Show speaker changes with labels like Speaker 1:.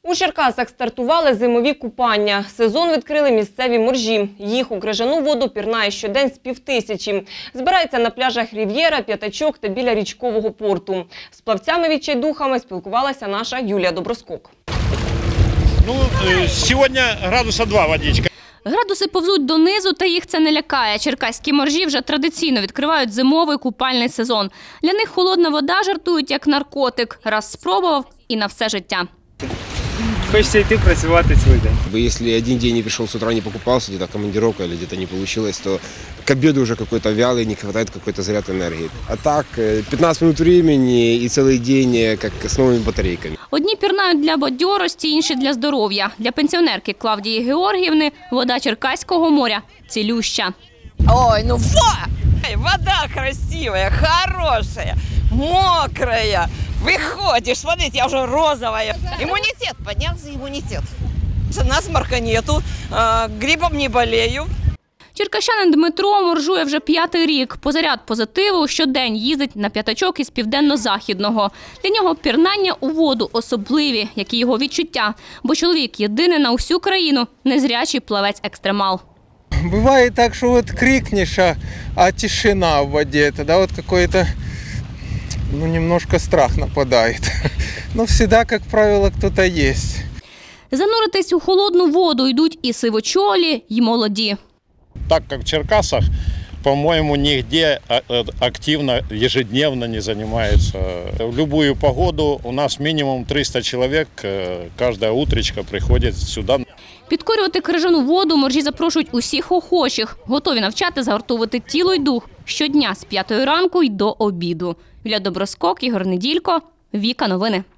Speaker 1: У Черкасах стартували зимові купання. Сезон відкрили місцеві моржі. Їх у крижану воду пірнає щодень з 5000. Збирається на пляжах Рів'єра, П'ятачок та біля річкового порту. З плавцями відчайдухами спілкувалася наша Юлія Доброскок.
Speaker 2: Сьогодні градуса 2 водичка.
Speaker 3: Градуси повзуть донизу, та їх це не лякає. Черкаські моржі вже традиційно відкривають зимовий купальний сезон. Для них холодна вода, жартують, як наркотик. Раз спробував – і на все життя.
Speaker 4: Хочется йти працювати цілий день.
Speaker 5: Если один день не пришел с утра, не покупался, где-то командировка или где-то не получилось, то к обеду уже какой-то вялый, не хватает какой-то заряд энергии. А так, 15 минут времени и целый день как с новыми батарейками.
Speaker 3: Одні пірнають для бадьорості, інші – для здоров'я. Для пенсіонерки Клавдії Георгіївни вода Черкаського моря – цілюща.
Speaker 6: Ой, ну вода красивая, хорошая, мокрая. Выходишь, смотрите, я уже розовая. Иммунитет, поднялся иммунитет. Насморка нету, гриппом не болею.
Speaker 3: Черкащанин Дмитро моржує вже 5-й рік. По заряд позитиву щодень їздить на П'ятачок із південно-західного. Для нього пірнання у воду особливі, як і його відчуття. Бо чоловік єдиний на усю країну незрячий плавець-екстремал.
Speaker 7: Бывает так, что вот крикнешь, а тишина в воде. Тогда вот какой-то, немножко страх нападает. Но всегда, как правило, кто-то есть.
Speaker 3: Зануритись у холодну воду йдуть і сивочолі, і молоді.
Speaker 2: Так как в Черкасах, по-моему, нигде активно, ежедневно не занимается. В любую погоду у нас минимум 300 человек, каждая утречка приходит сюда.
Speaker 3: Підкорювати крижану воду моржі запрошують усіх охочих. Готові навчати загартовувати тіло й дух щодня з 5-ї ранку й до обіду. Юлія Доброскок, Ігор Неділько, Віка Новини.